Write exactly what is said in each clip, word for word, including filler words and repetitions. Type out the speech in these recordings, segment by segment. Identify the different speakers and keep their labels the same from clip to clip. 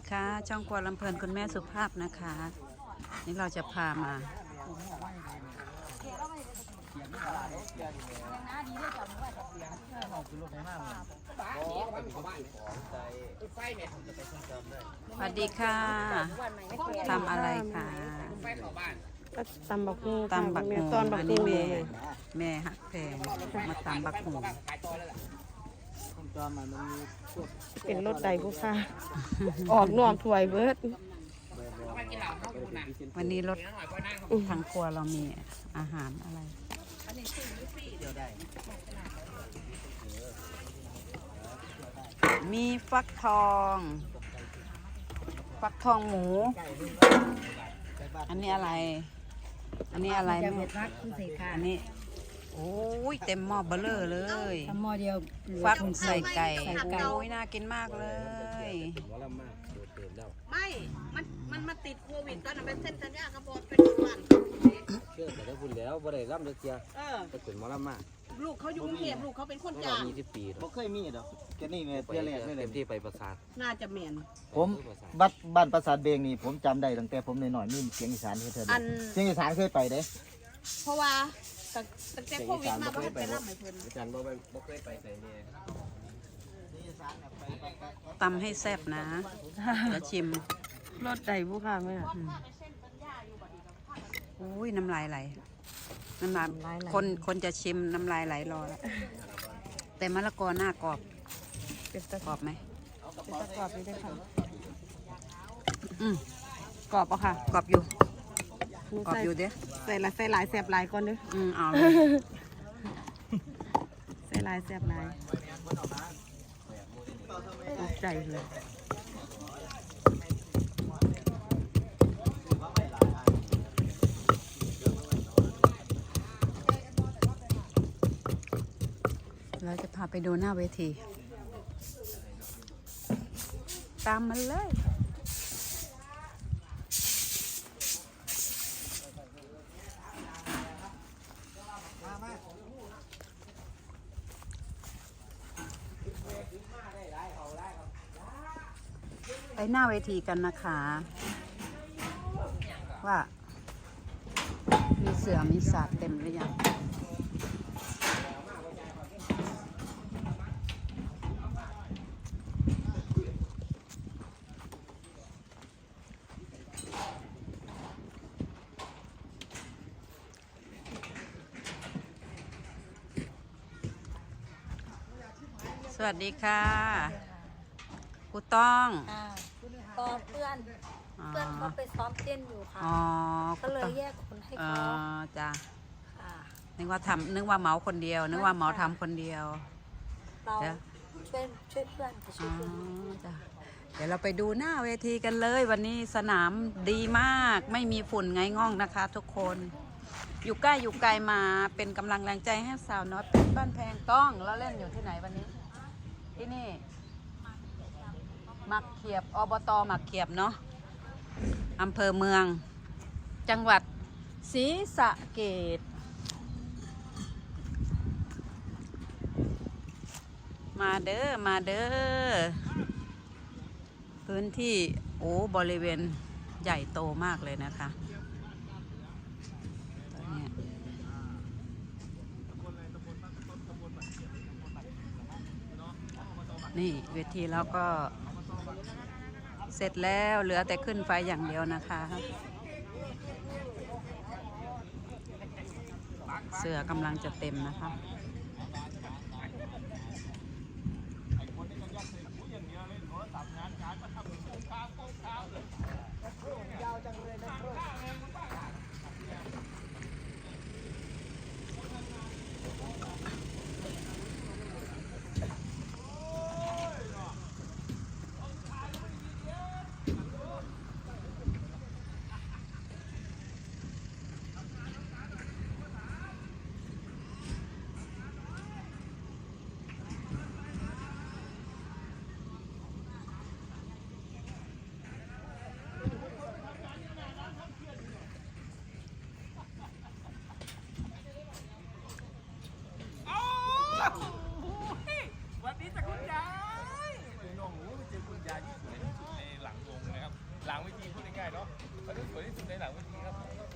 Speaker 1: ค่ะช่องครัวลำเพลินคุณแม่สุภาพนะคะ นี่เราจะพามาสวัสดีค่ะทำอะไรคะ
Speaker 2: ตำบักหุ่ง
Speaker 1: ตำบักหุ่ง
Speaker 2: ตอนบัก
Speaker 1: อัน
Speaker 2: หุ่
Speaker 1: นี้
Speaker 2: ง
Speaker 1: แม่แม่หักแพงมาตำบักหุ่ง
Speaker 2: เป็นรถใดผู้ค่ะ ออกนอกถวยเบิด
Speaker 1: วันนี้รถทางครัวเรามีอาหารอะไรมีฟักทอง ฟักทองหมู อันนี้อะไร อันนี้อะไร
Speaker 3: จะ
Speaker 1: แม่
Speaker 3: เผ็ดพักพิเศษค่ะ
Speaker 1: อันนี้โอ้ยเต็มหม้อเบลเลอร์เลย
Speaker 3: ทำหม้อเดียว
Speaker 1: ฟักใส่ไก่
Speaker 3: ใส่ไก่
Speaker 1: โอ้ยน่ากินมากเลย
Speaker 4: ไม่ มัน มันมาติดโควิดตอนนั้นเป็นเส้นสัญญาครับบอสเป็นวัน
Speaker 5: เชื่อแต่ถ้าคุณแล้วบ่ได้รับเลือกเสีย
Speaker 4: เออ
Speaker 5: ก็เป็นหมอลำมาก
Speaker 4: ลูกเขาอยู่กรุงเทพลูกเขาเป็นคน
Speaker 5: ต้องร
Speaker 4: จ้า
Speaker 5: อง ยี่สิบปี
Speaker 6: บ่เคยมีดอกแค่นี้แม่
Speaker 5: ไป
Speaker 6: เที่ยแรกเลยเล
Speaker 5: เต็
Speaker 6: ย
Speaker 5: มที่ไปประสาท
Speaker 4: น่าจะเหม็น
Speaker 6: ผม
Speaker 5: ประสาท
Speaker 6: บัดบ้านปราสาทเบงนี่ผมจำได้ตั้งแต่ผมน้อยๆมีเสียงอีสานเฮ็ดเถิด
Speaker 4: อัน
Speaker 6: เสียงอีสานเคยไปเด้
Speaker 4: เพราะว่าตั้งตั้งแต่โควิดมาเพิ่นไปรับให้เพิ่น
Speaker 5: อาจารย์บ่ไปบ่เคยไปใส่เนี่ย
Speaker 1: ตำให้แซ่บนะ จะชิม
Speaker 2: รถใดผู้ค่ะแม่
Speaker 1: อุ้ยน้ำลายไหล น้ำลายคนคนจะชิมน้ำลายไหลรอแล้ว แต่มะละกอหน้ากรอบ
Speaker 2: เป็นตะ
Speaker 1: กรอบไหม
Speaker 2: เป็นตะกรอบนี่ด้วยค่ะ
Speaker 1: อืม
Speaker 2: กรอบปะค่ะ
Speaker 1: กรอบอยู่
Speaker 2: หนู
Speaker 1: กรอบ
Speaker 2: ใส่
Speaker 1: อยู่เด้อ
Speaker 2: ใส่หลายใส่หลายแสบหลายก่อนเด้อ
Speaker 1: อืมเอาเลย
Speaker 2: ใส่หลายแสบหลายตกใจเลย
Speaker 1: เราจะพาไปดูหน้าเวที ตามมันเลย ไปหน้าเวทีกันนะคะ ว่า มีเสือมีสัตว์เต็มหรือยัง สวัสดีค่ะครูต้อง
Speaker 7: อ่าตอนเพื่อน
Speaker 1: อ๋อ
Speaker 7: เพื่อนเขาไปซ้อมเต้นอยู่ค่ะ
Speaker 1: อ๋อ
Speaker 7: ก็เลยแยกคนให้
Speaker 1: เอ
Speaker 7: เขา
Speaker 1: อจ้ะ
Speaker 7: ค่ะ
Speaker 1: นึกว่าทำนึกว่าเหมาคนเดียว นึกว่าเหมาทำคนเดียว
Speaker 7: เรา
Speaker 1: เดี๋ยว
Speaker 7: ช่วยช่วยเพื่อนค่ะช่
Speaker 1: อ๋
Speaker 7: ว
Speaker 1: อย
Speaker 7: เพื่อน
Speaker 1: จ้ะเดี๋ยวเราไปดูหน้าเวทีกันเลย วันนี้สนามดีมาก ไม่มีฝุ่นไงง่องนะคะ ทุกคน อยู่ใกล้อยู่ไกลมาเป็นกำลังแรงใจให้สาวน้อยเป็นบ้านแพงต้องแล้วเล่นอยู่ที่ไหนวันนี้ ที่นี่มักเขียบอบตมักเขียบเนาะอำเภอเมือง จังหวัดศรีสะเกษมาเด้อมาเด้อพื้นที่โอ้บริเวณใหญ่โตมากเลยนะคะตอนนี้นี่เวทีแล้วก็เสร็จแล้วเหลือแต่ขึ้นไฟอย่างเดียวนะคะ เสือกำลังจะเต็มนะคะ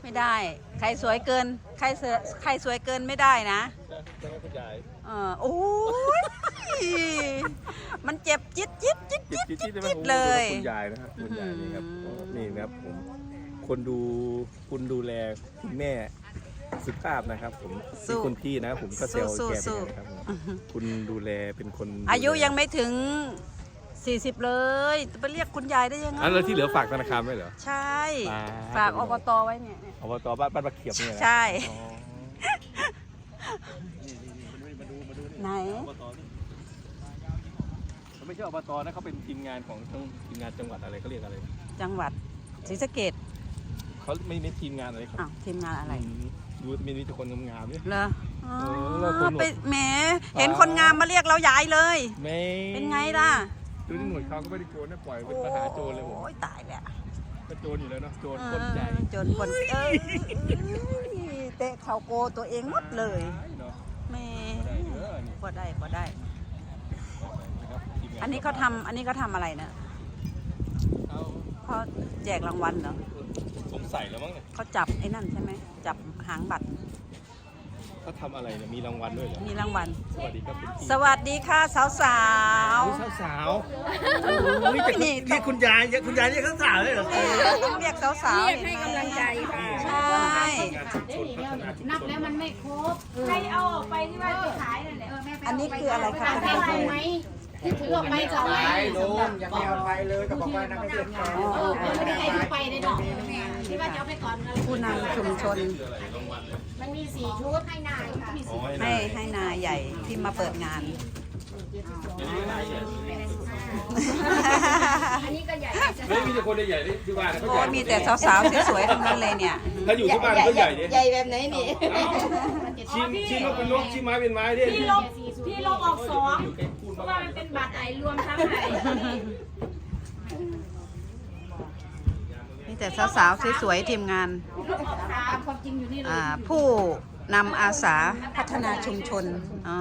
Speaker 1: ไม่ได้ ใครสวยเกิน ใครเสือใครสวยเกินไม่ได้นะ
Speaker 3: จะให้คุณยาย
Speaker 1: เออโอ้ยมันเจ็บจิ๊ดจิ๊ดจิ๊ด
Speaker 3: จิต
Speaker 1: จิ๊ด
Speaker 3: จิต
Speaker 1: จิ๊ด
Speaker 3: ใช่ไหม
Speaker 1: จิ๊ดเลย
Speaker 3: ผมคุณยายนะครับคุณยายนี่ครับ
Speaker 1: อื้อหือ
Speaker 3: นี่นะครับผมคนดูคุณดูแลคุณแม่สุภาพนะครับ ผมที่คุณพี่นะครับผมก็เซล
Speaker 1: สู้
Speaker 3: แก
Speaker 1: สู้
Speaker 3: ไปนะครับผมคุณดูแลเป็นคน
Speaker 1: อายุยังไม่ถึงสี่สิบเลยไปเรียกคุณยายได้ยังไง
Speaker 3: อันแล้วที่เหลือฝากธนาคารไว้เหรอ
Speaker 1: ใช่
Speaker 3: อ่า
Speaker 1: ฝากอบตไว้เนี่ย
Speaker 3: อบตบ้านบ้านปลาเขียบเนี่ยนะ
Speaker 1: ใช่
Speaker 3: อ๋อ
Speaker 1: ไหน
Speaker 3: อบตนี่เขาไม่ใช่อบตนะเขาเป็นทีมงานของทั้งทีมงานจังหวัดอะไรเขาเรียกอะไร
Speaker 1: จังหวัดศรีสะเกษ
Speaker 3: เขาไม่ไม่ทีมงานอะไรครับ
Speaker 1: อ้าวทีมงานอะไร
Speaker 3: อืมดูมีมีแต่คนงามๆเนี่ย
Speaker 1: เหรออ๋อ
Speaker 3: เออแล้วคนหนวด
Speaker 1: ไปแหมเห็นคนงามมาเรียกเราย้ายเลย
Speaker 3: ไม่
Speaker 1: เป็นไงล่ะ
Speaker 3: ดูที่หน่วยเขาก็ไม่ได้โจรนะปล่อยเป็นปัญหาโจรเลยผม
Speaker 1: โอ้ยตายแล้ว
Speaker 3: ก็โจรอยู่แล้วเนาะโจรปล้นใจ
Speaker 1: เออโจรคนเอ้ยเตะเข่าโกตัวเองหมดเลย
Speaker 3: เนาะ
Speaker 1: แหม่
Speaker 3: ได้เยอะนี่
Speaker 1: พอได้พอได้
Speaker 3: นะครับทีมง
Speaker 1: อันนี้เขาทำอันนี้เขาทำอะไรนะ
Speaker 3: เขา
Speaker 1: เขาแจกรางวัลเหรอ
Speaker 3: สงสัยแล้วมั้งเนี่ย
Speaker 1: เขาจับไอ้นั่นใช่ไหมจับหางบัตร
Speaker 3: เขาทำอะไรเนี่ยมีรางวัลด้วยเหรอ
Speaker 1: มีรางวัล
Speaker 3: สวัสดีครับคุณพี่
Speaker 1: สวัสดีค่ะสาวสาว
Speaker 3: สาวสาว
Speaker 1: โอ้ยแต่นี่
Speaker 6: เรียกคุณยายเรียกคุณยายเรียกทั้งสาวเลยเหรอ
Speaker 1: ต้องเรียกสาวสาว
Speaker 4: เรียกให้กำลังใจค่ะ
Speaker 1: ใช่
Speaker 3: งานชุมชนพัฒนาชุมชน
Speaker 8: นับแล้วมันไม่ครบใครเอาออกไปที่ว่าไปขายนั่นแหละ
Speaker 1: อันนี้คืออะไรคะ
Speaker 8: ขายได้ไหมที่ถือออกไปจะเอาไหม
Speaker 6: ลุงอย่าไปเอาไปเลยก็บอกว่านักเรียนก่อน
Speaker 8: เออไม่ได้ใครถือไปในดอกที่ว่าจะเอาไปก่อนนะ
Speaker 1: ผู้นำชุมชน
Speaker 8: มันมีสี่ชุดให้นายค่ะ
Speaker 3: อ๋อ
Speaker 1: ให้ให้นายใหญ่ที่มาเปิดงาน
Speaker 8: อันนี้ก็ใหญ่
Speaker 3: ไม่มีแต่คนใหญ่ๆที่บ้านนะเขา
Speaker 1: โอ้
Speaker 3: ใหญ่
Speaker 1: มีแต่สาวๆสวยๆทั้งนั้นเลยเนี่ย
Speaker 3: ถ้าอยู่ที่บ้านเขาใหญ่ดิ
Speaker 4: ใหญ่แบบไหนนี่
Speaker 3: ชิ้นชิ้นนกเป็นนกชิ้นไม้เป็นไม้ดิ
Speaker 8: ที่ลบที่ลบออกสองเพราะว่ามันเป็นบัตรไอรวมทั้งไหน
Speaker 1: มีแต่สาวๆสวยๆทีมงาน
Speaker 8: ตามความจริงอยู่นี่เลย
Speaker 1: อ่าผู้นำอาสาพัฒนาชุมชนอ๋อ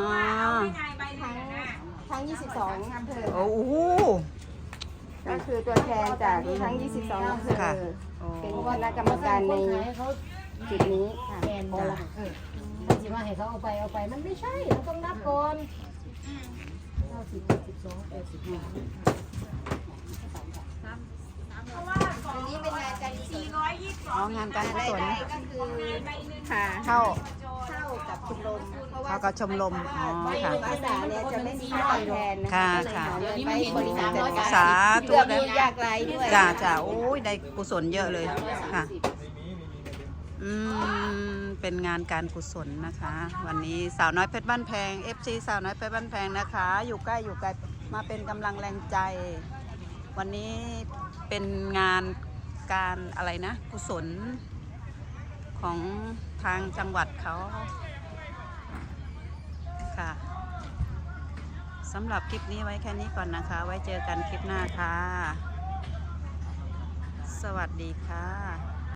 Speaker 4: ทั้งยี่สิบสองอำเภอ
Speaker 1: โอ้โห
Speaker 4: ก็คือตัวแทนจากทั้งยี่สิบสองอำเภอ
Speaker 1: ค่ะ
Speaker 4: เป็นคณะกรรมการในจุดนี้ค่ะ
Speaker 8: แทนบอลเออถ้าสิว่าให้เขาเอาไปเอาไปมันไม่ใช่เราต้องนับก่อนเก้าสิบสิบสองแปดสิบห้า
Speaker 4: อันนี้เป็นงานการกุศล
Speaker 1: อ๋องานการกุศล
Speaker 4: ก็คือค่ะ
Speaker 1: เข้า
Speaker 4: เข้ากับชมรมเพราะว่า
Speaker 1: เข้ากับชมรมอ๋อค่ะ
Speaker 4: อาสาเนี่ยจะไม่มีค่าตอบแทนนะคะ
Speaker 1: ค่ะ
Speaker 4: ก็เลยหาเงินไปบริหารจัดการ
Speaker 1: สาธุ
Speaker 4: เพื่อมียากไร้ด้วย
Speaker 1: จ้าจ้าโอ้ยได้กุศลเยอะเลยค่ะ อืมเป็นงานการกุศลนะคะ วันนี้สาวน้อยเพชรบ้านแพง เอฟ ซี สาวน้อยเพชรบ้านแพงนะคะ อยู่ใกล้อยู่ไกลมาเป็นกำลังแรงใจ วันนี้เป็นงานการอะไรนะ กุศลของทางจังหวัดเขาค่ะสำหรับคลิปนี้ไว้แค่นี้ก่อนนะคะ ไว้เจอกันคลิปหน้าค่ะ สวัสดีค่ะ